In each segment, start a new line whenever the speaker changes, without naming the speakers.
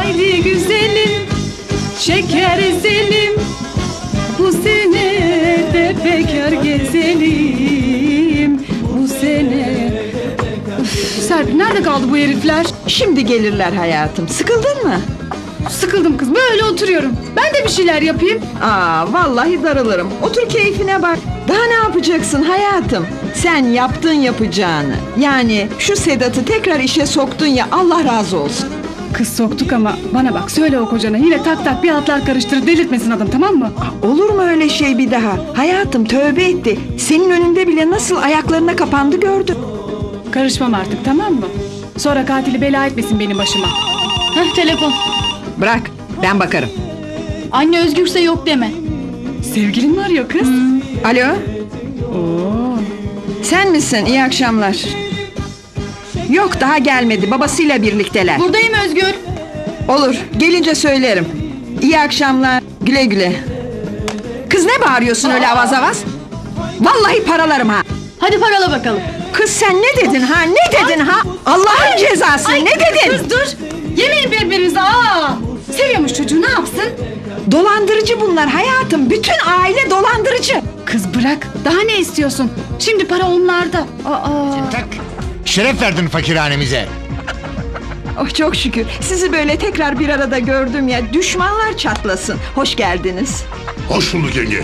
Haydi güzelim, şeker ezelim, bu sene de bekar gezelim, bu sene. Üf, Serpil nerede kaldı bu herifler?
Şimdi gelirler hayatım. Sıkıldın mı?
Sıkıldım kız, böyle oturuyorum. Ben de bir şeyler yapayım.
Vallahi darılırım. Otur keyfine bak. Daha ne yapacaksın hayatım? Sen yaptın yapacağını. Yani şu Sedat'ı tekrar işe soktun ya, Allah razı olsun.
Kız soktuk ama bana bak, söyle o kocana yine tak tak bir hatlar karıştırıp delirtmesin adam, tamam mı?
Olur mu öyle şey bir daha? Hayatım tövbe etti. Senin önünde bile nasıl ayaklarına kapandı gördüm.
Karışmam artık, tamam mı? Sonra katili bela etmesin benim başıma.
Heh, telefon.
Bırak, ben bakarım.
Anne özgürse yok deme.
Sevgilin mi arıyor kız?
Alo,
Oo.
sen misin? İyi akşamlar. Yok, daha gelmedi. Babasıyla birlikteler.
Buradayım Özgür.
Olur, gelince söylerim. İyi akşamlar, güle güle. Kız ne bağırıyorsun öyle avaz avaz? Vallahi paralarım ha.
Hadi parala bakalım.
Kız sen ne dedin ha? Ne dedin ha? Allah'ın cezası ne dedin?
Kız dur! Yemeyin birbirinize! Seviyormuş çocuğu, ne yapsın?
Dolandırıcı bunlar hayatım. Bütün aile dolandırıcı.
Kız bırak, daha ne istiyorsun? Şimdi para onlarda.
Tak. Şeref verdin fakirhanemize.
Oh çok şükür. Sizi böyle tekrar bir arada gördüm ya. Düşmanlar çatlasın. Hoş geldiniz.
Hoş bulduk yenge.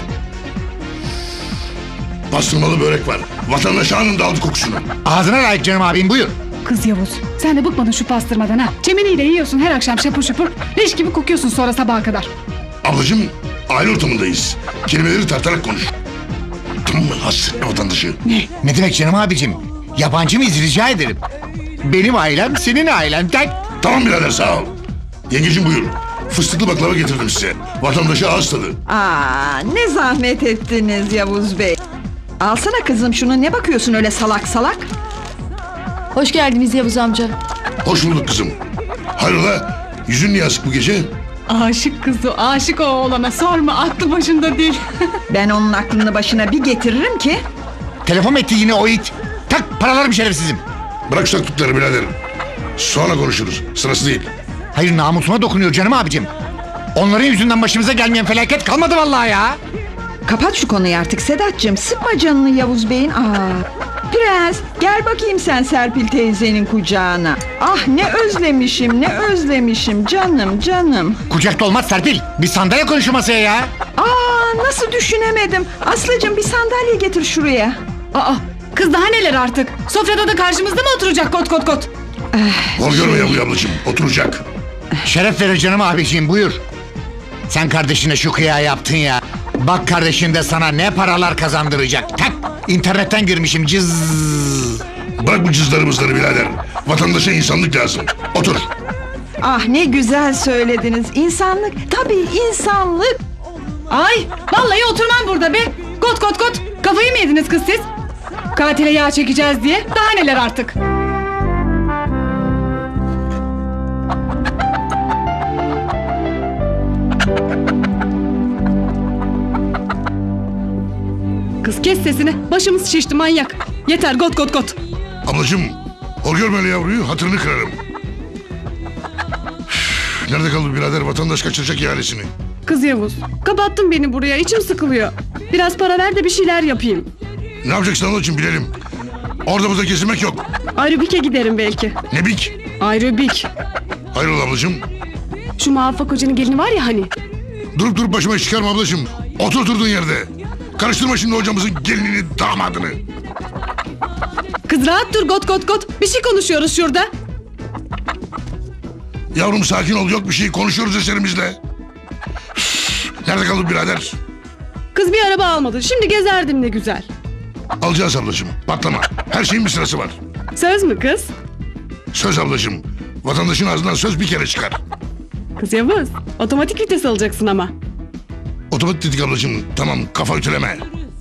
Pastırmalı börek var. Vatandaş anında aldı kokusunu.
Ağzına layık canım abim, buyur.
Kız Yavuz, sen de bıkmadın şu pastırmadan ha. Çemeniyle yiyorsun her akşam şapur şupur. Leş gibi kokuyorsun sonra sabaha kadar.
Ablacığım, aile ortamındayız. Kelimeleri tartarak konuş. Tamam mı? Hasretme vatandaşı.
Ne demek canım abicim? Yabancı mıyız rica ederim. Benim ailem senin ailen, tak.
Tamam birader, sağ ol. Yengeciğim buyur. Fıstıklı baklava getirdim size. Vatandaşı ağız tadı.
Ne zahmet ettiniz Yavuz Bey. Alsana kızım şunu. Ne bakıyorsun öyle salak salak?
Hoş geldiniz Yavuz amca.
Hoş bulduk kızım. Hayrola? Yüzün niye asık bu gece?
Aşık kızı, aşık o oğlana, sorma, aklı başında değil.
Ben onun aklını başına bir getiririm ki.
Telefon etti yine o it. Tak, paralarım şerefsizim.
Bırak şu taktıkları birader. Sonra konuşuruz. Sırası değil.
Hayır, namusuma dokunuyor canım abicim. Onların yüzünden başımıza gelmeyen felaket kalmadı vallahi ya.
Kapat şu konuyu artık Sedat'cığım. Sıkma canını Yavuz Bey'in. Prens gel bakayım sen Serpil teyzenin kucağına. Ah ne özlemişim, ne özlemişim canım canım.
Kucakta olmaz Serpil. Bir sandalye konuşur masaya ya.
Nasıl düşünemedim. Aslıcığım bir sandalye getir şuraya.
Kız daha neler artık? Sofrada da karşımızda mı oturacak kot kot kot?
Hor görme yavru ablacığım. Oturacak.
Şeref verir canım abiciğim, buyur. Sen kardeşine şu kıyağı yaptın ya. Bak kardeşin de sana ne paralar kazandıracak. Tak, internetten girmişim cız.
Bırak bu cızlarımızları birader. Vatandaşa insanlık lazım. Otur.
Ne güzel söylediniz. İnsanlık, tabii insanlık.
Ay vallahi oturmam burada be. Kot kot kot. Kafayı mı yediniz kız siz? Katile yağ çekeceğiz diye. Daha neler artık. Kız kes sesini. Başımız şişti manyak. Yeter got got got.
Ablacığım, hor görme öyle yavruyu. Hatırını kırarım. Üf, nerede kaldı birader? Vatandaş kaçıracak ihalesini.
Kız Yavuz, kapattın beni buraya, içim sıkılıyor. Biraz para ver de bir şeyler yapayım.
Ne yapacaksın ablacığım bilelim. Orada burada kesilmek yok.
Aerobik'e giderim belki.
Ne bik?
Aerobik.
Hayrola ablacığım?
Şu muvaffak hocanın gelini var ya hani.
Durup başıma iş çıkarma ablacığım. Otur oturduğun yerde. Karıştırma şimdi hocamızın gelinini, damadını.
Kız rahat dur got got got. Bir şey konuşuyoruz şurada.
Yavrum sakin ol, yok bir şey, konuşuyoruz eserimizle. Üf, nerede kaldı birader?
Kız bir araba almadı. Şimdi gezerdim ne güzel.
Alacağız ablacığım, patlama. Her şeyin bir sırası var.
Söz mü kız?
Söz ablacığım. Vatandaşın ağzından söz bir kere çıkar.
Kız Yavuz, otomatik vites alacaksın ama.
Otomatik dedik ablacığım. Tamam, kafa ütüleme.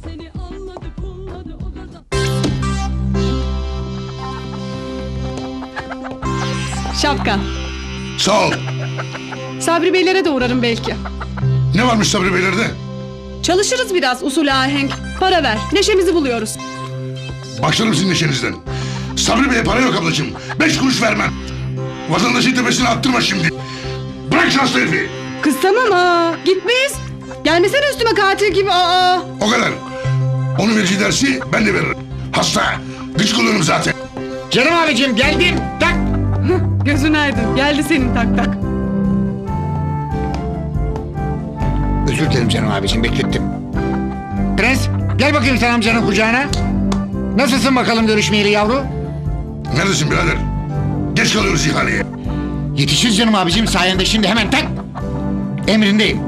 Şapka.
Sağ ol.
Sabri Beylere de uğrarım belki.
Ne varmış Sabri Beylerde?
Çalışırız biraz usul ahenk. Para ver, neşemizi buluyoruz.
Başlarım sizin neşenizden. Sabri Bey'e para yok ablacığım. 5 kuruş vermem. Vatandaşın tepesine attırma şimdi. Bırak şu hasta herifi.
Kız tamam ha. Gitmeyiz. Gelmesene üstüme katil gibi. Aa.
O kadar. Onun vereceği dersi ben de veririm. Hasta. Gıcık oluyorum zaten.
Canım abicim geldim. Tak.
Gözün aydın. Geldi senin tak tak.
Özür dilerim canım abicim beklettim. Prens gel bakayım sen amcanın kucağına. Nasılsın bakalım görüşmeyeli yavru?
Neredesin birader? Geç kalıyoruz ihaleye.
Yetişiriz canım abicim sayende şimdi hemen tak. Emrindeyim.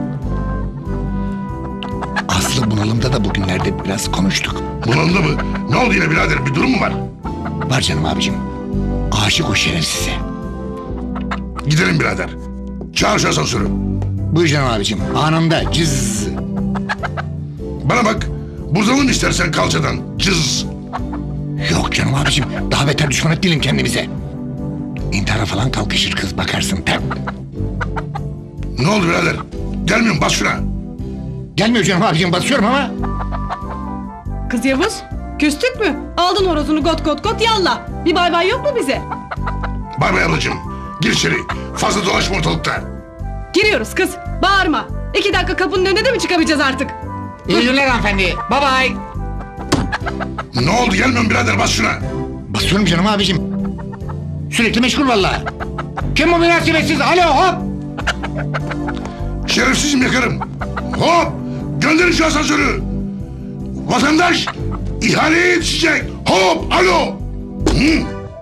Aslı bunalımda da bugünlerde biraz konuştuk.
Bunalımda mı? Ne oldu yine birader? Bir durum mu var?
Var canım abicim. Aşık o şerefsize.
Gidelim birader. Çağır şu asansörü.
Buyur canım abicim. Anında cız.
Bana bak. Buzalım istersen kalçadan. Cız.
Yok canım abicim. Daha beter düşman etmeyelim kendimize. İntihara falan kalkışır kız bakarsın. Tak.
Ne oldu birader? Gelmiyorum bas şuna.
Gelmiyor canım abicim basıyorum ama.
Kız Yavuz. Küstük mü? Aldın horozunu got got got yallah. Bir bay bay yok mu bize?
Bay bay ablacığım. Gir içeri. Fazla dolaşma ortalıkta.
Giriyoruz kız. Bağırma. 2 dakika kapının önüne de mi çıkamayacağız artık?
İyi günler hanımefendi. Bye bye.
Ne oldu gelmiyorum birader bas şuna.
Basıyorum canım abicim. Sürekli meşgul vallahi. Kim bu münasebetsiz? Alo hop.
Şerefsizim yakarım. Hop! Gönderin şu asansörü. Vatandaş ihaleye yetişecek. Hop! Alo! Hı?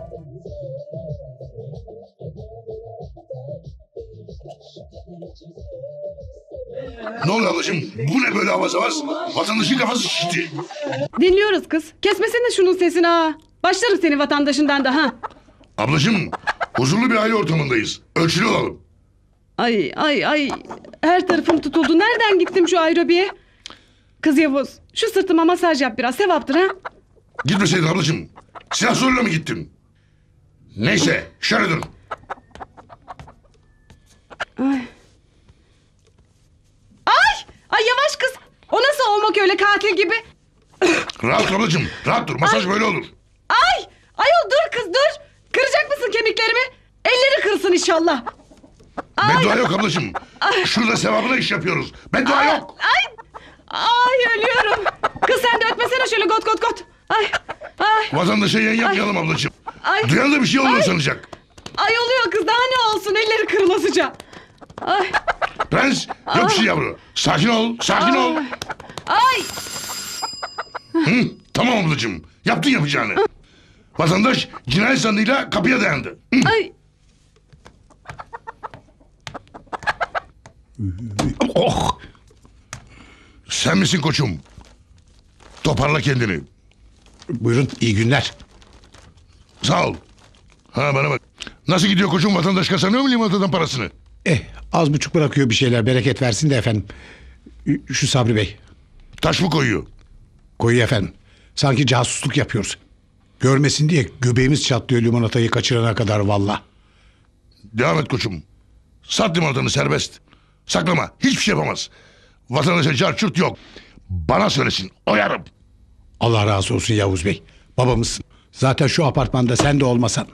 Ne oluyor ablacığım? Bu ne böyle avaz avaz? Vatandaşın kafası şişti.
Dinliyoruz kız. Kesmesene şunun sesini ha. Başlarım senin vatandaşından da ha.
Ablacığım, huzurlu bir aile ortamındayız. Ölçülü olalım.
Ay ay ay. Her tarafım tutuldu. Nereden gittim şu aerobiye? Kız Yavuz şu sırtıma masaj yap biraz. Sevaptır ha.
Gitmeseydin ablacığım. Silah zoruyla mı gittin? Neyse, şöyle dur.
Ay yavaş kız. O nasıl olmak öyle katil gibi?
Rahat dur ablacığım, rahat dur. Masaj böyle olur.
Ay! Ayol dur kız dur. Kıracak mısın kemiklerimi? Elleri kırsın inşallah.
Beddua yok ablacığım. Şurada sevabına iş yapıyoruz. Beddua yok.
Ay ölüyorum. Kız sen de ötmesene şöyle got got got. Ay ay
Vatandaşa yayın yapmayalım ablacığım.
ay.
Duyan da bir şey oluyor sanacak.
Ay oluyor kız daha ne olsun elleri kırılasıca. Ay
Prens, yok bir şey yavru. Sakin ol, sakin ol.
ay.
Hı, tamam ablacığım. Yaptın yapacağını. Vatandaş cinayet zanlıyla kapıya dayandı. Hı.
Ay.
Oh! Sen misin koçum? Toparla kendini.
Buyurun, iyi günler.
Sağ ol. Ha bana bak. Nasıl gidiyor koçum, vatandaş kazanıyor mu limonatadan parasını?
Az buçuk bırakıyor bir şeyler, bereket versin de efendim. Şu Sabri Bey,
Taş mı koyuyor?
koyuyor efendim. Sanki casusluk yapıyoruz. Görmesin diye göbeğimiz çatlıyor limonatayı kaçırana kadar valla.
Devam et koçum. Sat limonatanı serbest. Saklama, hiçbir şey yapamaz. Vatandaşa carçurt yok. Bana söylesin, oyarım.
Allah razı olsun Yavuz Bey. Babamızsın. Zaten şu apartmanda sen de olmasan.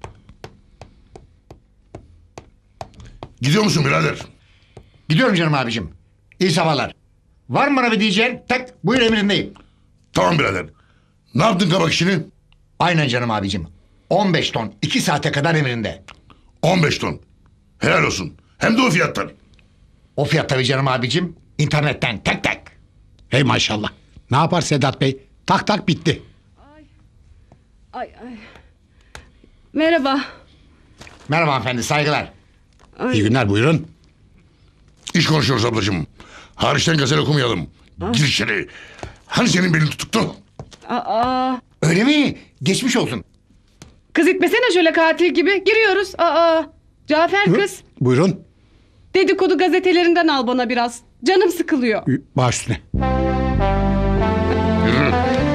Gidiyor musun birader?
Gidiyorum canım abicim. İyi sabahlar. Var mı bana bir diyeceğin? Tak buyur emrindeyim.
Tamam birader. Ne yaptın kabak işini?
Aynen canım abicim. 15 ton 2 saate kadar emrinde.
15 ton. Helal olsun. Hem de o fiyattan.
O fiyat tabii canım abicim. İnternetten tak tak.
Hey maşallah. Ne yapar Sedat Bey? Tak tak bitti.
Ay ay. Merhaba.
Merhaba hanımefendi saygılar.
İyi günler buyurun.
İş konuşuyoruz ablacığım. Hariçten gazel okumayalım. Gir içeri. Hani senin belin tutuktu?
Aa.
Öyle mi? Geçmiş olsun.
Kız itmesene şöyle katil gibi. Giriyoruz. Aa. Cafer kız.
Buyurun.
Dedikodu gazetelerinden al bana biraz. Canım sıkılıyor.
Baş üstüne.
Yürü.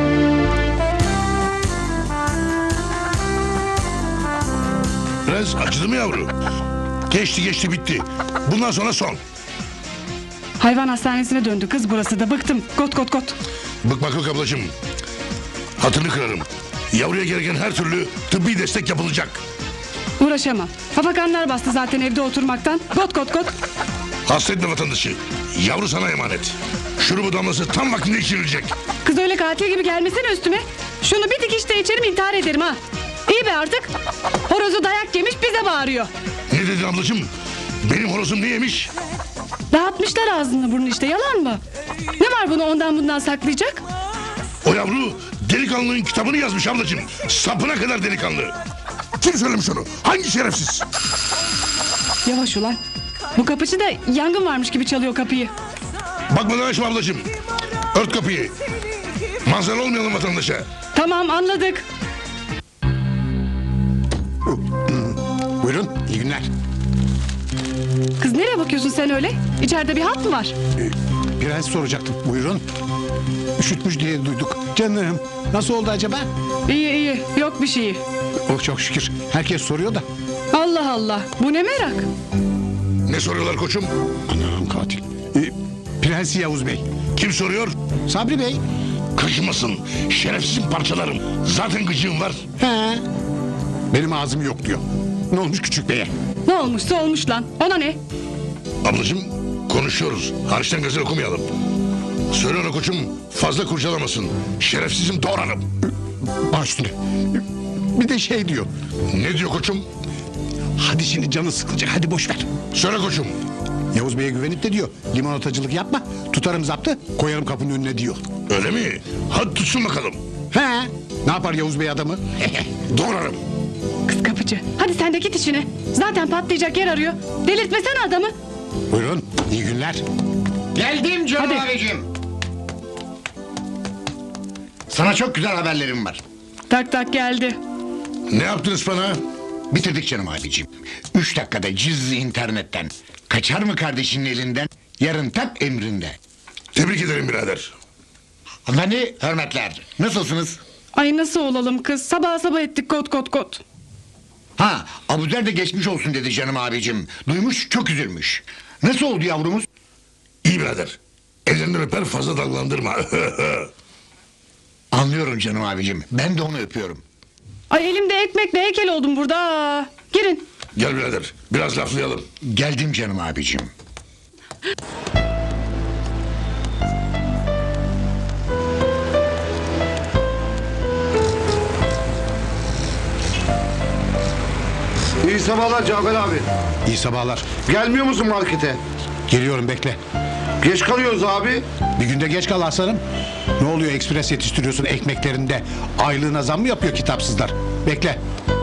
Prens acıdı mı yavru? Geçti bitti. Bundan sonra son.
Hayvan hastanesine döndü kız burası da. Bıktım. Got got got.
Bıkmak yok ablacığım. Hatırını kırarım. Yavruya gereken her türlü tıbbi destek yapılacak.
Uğraşamam. Hafakanlar bastı zaten evde oturmaktan. Kot kot kot.
Hasretme vatandaşı. Yavru sana emanet. Şurubu damlası tam vaktinde içirilecek.
Kız öyle katil gibi gelmesene üstüme. Şunu bir dikişte içerim intihar ederim ha. İyi be artık. Horozu dayak yemiş bize bağırıyor.
Ne dedin ablacığım? Benim horozum ne yemiş?
Dağıtmışlar ağzını burnunu işte yalan mı? Ne var bunu ondan bundan saklayacak?
O yavru delikanlının kitabını yazmış ablacığım. Sapına kadar delikanlı. Kim söylemiş onu? Hangi şerefsiz?
Yavaş ulan. Bu kapıcı da yangın varmış gibi çalıyor kapıyı.
Bakmadan açma ablacığım. Ört kapıyı. Manzara olmayalım vatandaşa.
Tamam anladık.
Buyurun, iyi günler.
Kız nereye bakıyorsun sen öyle? İçeride bir hat mı var?
Prens soracaktım. Buyurun. Üşütmüş diye duyduk. Canım, nasıl oldu acaba?
İyi iyi yok bir şeyi.
Oh çok şükür. Herkes soruyor da.
Allah Allah bu ne merak?
Ne soruyorlar koçum?
Anam katil. Prens Yavuz Bey.
Kim soruyor?
Sabri Bey.
Kaşımasın. Şerefsizim parçalarım. Zaten gıcığım var.
He. Benim ağzım yok diyor. Ne olmuş küçük beye?
Ne olmuşsa olmuş lan. Ona ne?
Ablacığım konuşuyoruz. Hariçten gazel okumayalım. Söyle ona koçum fazla kurcalamasın. Şerefsizim doğranım.
Baş üstüne. Bir de şey diyor.
Ne diyor koçum?
Hadi şimdi canı sıkılacak. Hadi boş ver.
Söyle koçum.
Yavuz Bey'e güvenip de diyor. Limonatacılık yapma. Tutarım zaptı. Koyarım kapının önüne diyor.
Öyle mi? Hadi tutsun bakalım.
He. Ne yapar Yavuz Bey adamı?
Doğrarım.
Kız kapıcı. Hadi sen de git işine. Zaten patlayacak yer arıyor. Delirtmesene adamı.
Buyurun. İyi günler.
Geldim canım
Hadi.
abicim. Sana çok güzel haberlerim var.
Tak tak geldi.
Ne yaptınız bana?
Bitirdik canım abicim. 3 dakikada cizli internetten. Kaçar mı kardeşinin elinden? Yarın tak emrinde.
Tebrik ederim birader.
Hanımefendi hürmetler. Nasılsınız?
Ay nasıl olalım kız? Sabah sabah ettik kot kot kot.
Ha Abuzer de geçmiş olsun dedi canım abicim. Duymuş çok üzülmüş. Nasıl oldu yavrumuz?
İyi birader. Ellerinden öper fazla dalgalandırma.
Anlıyorum canım abicim. Ben de onu öpüyorum.
Ay elimde ekmekle heykel oldum burada. Aa, girin.
Gel birader biraz laflayalım.
Geldim canım abicim.
İyi sabahlar Cafer abi.
İyi sabahlar.
Gelmiyor musun markete?
Geliyorum bekle.
Geç kalıyoruz abi.
Bir günde geç kal aslanım. Ne oluyor ekspres yetiştiriyorsun ekmeklerinde? Aylığına zam mı yapıyor kitapsızlar? Bekle.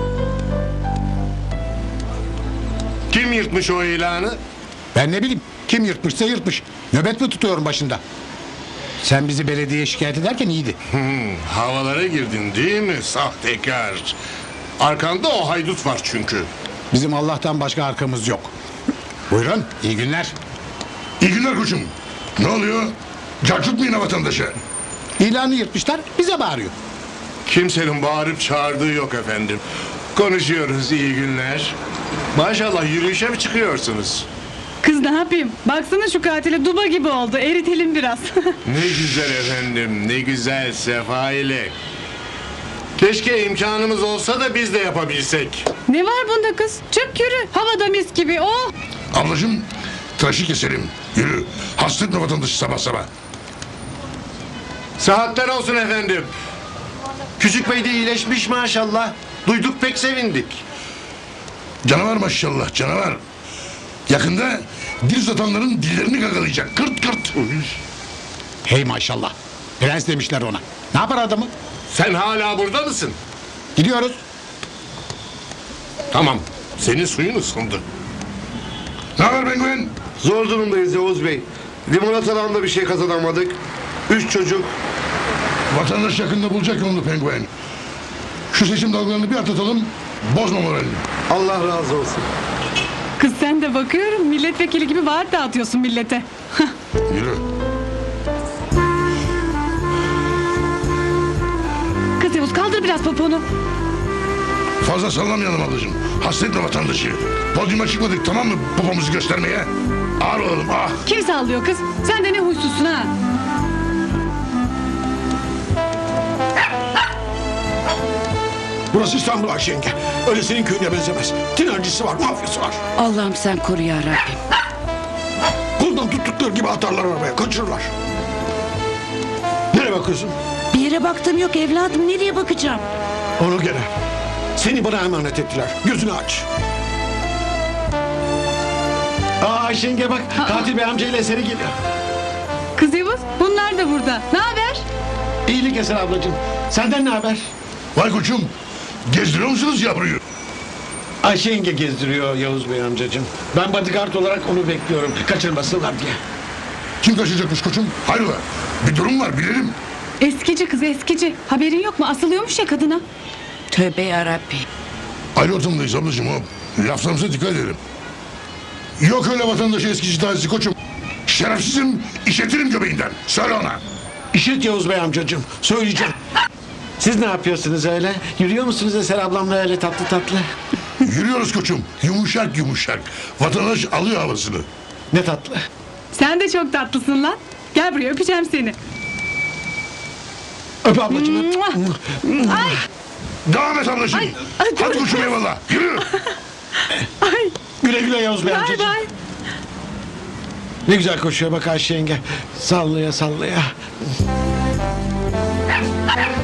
Kim yırtmış o ilanı?
Ben ne bileyim. Kim yırtmışsa yırtmış. Nöbet mi tutuyorum başında? Sen bizi belediyeye şikayet ederken iyiydi.
Havalara girdin değil mi sahtekar? Arkanda o haydut var çünkü.
Bizim Allah'tan başka arkamız yok. Buyurun iyi günler.
İyi günler koçum. Ne oluyor? Cacık mı yine vatandaşa?
İlanı yırtmışlar bize bağırıyor.
Kimsenin bağırıp çağırdığı yok efendim. Konuşuyoruz iyi günler. Maşallah yürüyüşe mi çıkıyorsunuz?
Kız ne yapayım? Baksana şu katile duba gibi oldu. Eritelim biraz.
Ne güzel efendim ne güzel sefa ile. Keşke imkanımız olsa da biz de yapabilsek.
ne var bunda kız? Çık yürü. Havada mis gibi. Oh.
Ablacığım tıraşı keselim. Yürü. Hasretme vatandaşı sabah sabah.
Saatler olsun efendim. Küçük bey de iyileşmiş maşallah. Duyduk pek sevindik.
Canavar maşallah canavar. Yakında dil uzatanların dillerini gagalayacak. Kırt kırt.
Hey maşallah. Prens demişler ona. Ne yapar adamı?
Sen hala burada mısın?
Gidiyoruz.
Tamam. Senin suyun ısındı.
Ne haber penguen?
Zor durumdayız Yavuz Bey. Limonatadan da bir şey kazanamadık. 3 çocuk.
Vatandaş yakında bulacak yolunu penguen. Şu seçim dalgalarını bir atlatalım. Bozma moralini.
Allah razı olsun.
Kız sen de bakıyorum milletvekili gibi vaat dağıtıyorsun millete.
Yürü.
Kız Yavuz kaldır biraz poponu.
Fazla sallamayalım ablacığım. Hasretme vatandaşı. Podyuma çıkmadık tamam mı popomuzu göstermeye? Ağır olalım ah.
Kim sallıyor kız? Sen de ne huysuzsun ha?
Burası İstanbul Ayşe yenge. Öyle senin köyüne benzemez. Tinercisi var, mafyası var.
Allah'ım sen koru ya Rabbim.
Koldan tuttukları gibi atarlar arabaya, kaçırırlar. Nereye bakıyorsun?
Bir yere baktım yok evladım. Nereye bakacağım?
Onu gene. Seni bana emanet ettiler. Gözünü aç.
Ayşe yenge bak katil bey amcayla eseri geliyor.
Kız Yavuz bunlar da burada. Ne haber?
İyilik Eser ablacığım. Senden ne haber?
Vay koçum. Gezdiriyor musunuz yavruyu?
Ayşe yenge gezdiriyor Yavuz Bey amcacığım. Ben bodyguard olarak onu bekliyorum. Kaçırmasınlar diye.
Kim kaçacakmış koçum? Hayrola? Bir durum var bilelim.
Eskici kız eskici. Haberin yok mu? Asılıyormuş ya kadına.
Tövbe yarabbim.
Aynı ortamdayız ablacığım o. Laflarımıza dikkat edelim. Yok öyle vatandaşı eskici tazisi koçum. Şerefsizim, işletirim göbeğinden. Söyle ona.
İşit Yavuz Bey amcacığım. Söyleyeceğim. Siz ne yapıyorsunuz öyle? Yürüyor musunuz Eser ablamla öyle tatlı tatlı?
Yürüyoruz koçum. Yumuşak yumuşak. Vatandaş alıyor havasını.
Ne tatlı.
Sen de çok tatlısın lan. Gel buraya öpeceğim seni.
Öp ablacığım öp.
Ay
Devam et ablacığım.
ay,
Hadi koçum eyvallah. Yürü.
ay.
Güle güle Yavuz Bey
Bay
amcacığım.
bay.
Ne güzel koşuyor bak Ayşe yenge. Sallaya sallaya.